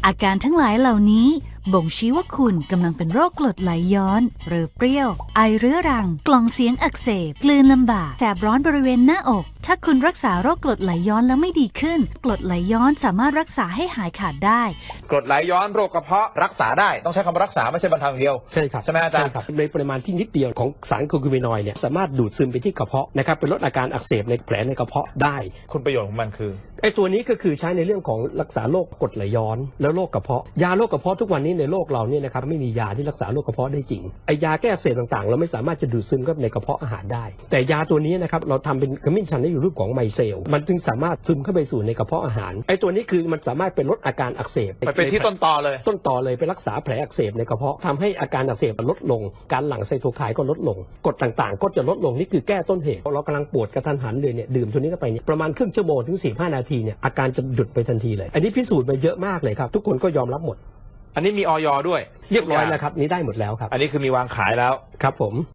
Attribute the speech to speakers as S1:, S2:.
S1: อาการทั้งหลายเหล่านี้บ่งชี้ว่าคุณกำลังเป็นโรคกรดไหลย้อนเรือเปรี้ยวไอเรื้อรังกล่องเสียงอักเสบกลืนลำบากแสบร้อนบริเวณหน้าอกถ้าคุณรักษาโรคกรดไหลย้อนแล้วไม่ดีขึ้นกรดไหลย้อนสามารถรักษาให้หายขาดได้
S2: กรดไหลย้อนโรคกระเพาะรักษาได้ต้องใช้คำว่ารักษาไม่ใช่บรรเทาอย่างเดียว
S3: ใช่ครับ
S2: ใช่ไหมอาจารย์
S3: ใช่ครับในปริมาณที่นิดเดียวของสารโคคูมินอยด์เนี่ยสามารถดูดซึมไปที่กระเพาะนะครับเป็นลดอาการอักเสบในแผลในกระเพาะได้
S2: คุณประโยชน์ของมันคือ
S3: ไอ้ตัวนี้ก็คือใช้ในเรื่องของรักษาโรคกรดไหลย้อนแล้วโรคกระเพาะยาโรคกระเพาะทุกวันนี้ในโลกเราเนี่ยนะครับไม่มียาที่รักษาโรคกระเพาะได้จริงไอ้ยาแก้อักเสบต่างๆเราไม่สามารถจะดูดซึมเข้าไปในกระเพาะอาหารได้แต่ยาตัวนี้นะครับเราทำเป็นขมิ้นชันได้อยู่รูปของไมเซลมันจึงสามารถซึมเข้าไปสู่ในกระเพาะอาหารไอ้ตัวนี้คือมันสามารถเป็นลดอาการอักเสบ
S2: ไปที่ต้นตอเลย
S3: ไปรักษาแผลอักเสบในกระเพาะทำให้อาการอักเสบลดลงการหลั่งไซโตไคน์ก็ลดลงกรดต่างๆก็จะลดลงนี่คือแก้ต้นเหตุเรากำลังปวดกระทันหันเลยเนี่ยดื่มตัวนี้เข้าไปเนี่ยประมาณครึ่งชั่วโมงถึง45 นาทีเนี่ยอาการจะหยุดไปทันทีเลยอันนี้พิสูจน์มาเยอะมากเลยครับทุกคนก็ยอมรับหมด
S2: อันนี้มีอย.ด้วย
S3: เรียบร้อยแล้วครับนี้ได้หมดแล้วครับ
S2: อันนี้คือมีวางขายแล้ว
S3: ครับผม